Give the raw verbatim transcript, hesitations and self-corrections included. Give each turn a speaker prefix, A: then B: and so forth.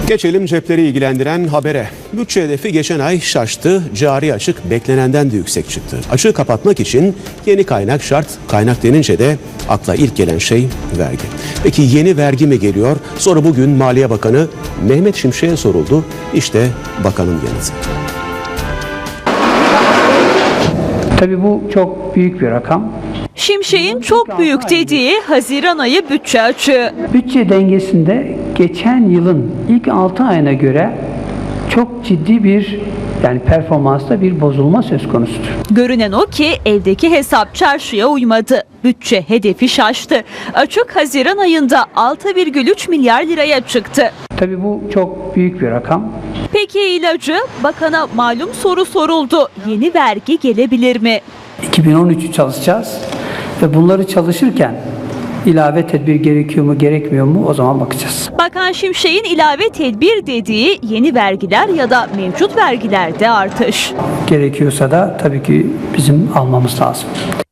A: Geçelim cepleri ilgilendiren habere. Bütçe hedefi geçen ay şaştı, cari açık beklenenden de yüksek çıktı. Açığı kapatmak için yeni kaynak şart. Kaynak denince de akla ilk gelen şey vergi. Peki yeni vergi mi geliyor? Soru bugün Maliye Bakanı Mehmet Şimşek'e soruldu. İşte bakanın yanıtı.
B: Tabii bu çok büyük bir rakam.
C: Şimşek'in çok büyük dediği Haziran ayı bütçe açığı.
B: Bütçe dengesinde geçen yılın ilk altı ayına göre çok ciddi bir yani performansta bir bozulma söz konusudur.
C: Görünen o ki evdeki hesap çarşıya uymadı. Bütçe hedefi şaştı. Açık Haziran ayında altı virgül üç milyar liraya çıktı.
B: Tabii bu çok büyük bir rakam.
C: Peki ilacı? Bakana malum soru soruldu. Yeni vergi gelebilir mi?
B: iki bin on üçü çalışacağız ve bunları çalışırken ilave tedbir gerekiyor mu gerekmiyor mu o zaman bakacağız.
C: Bakan Şimşek'in ilave tedbir dediği yeni vergiler ya da mevcut vergilerde artış.
B: Gerekiyorsa da tabii ki bizim almamız lazım.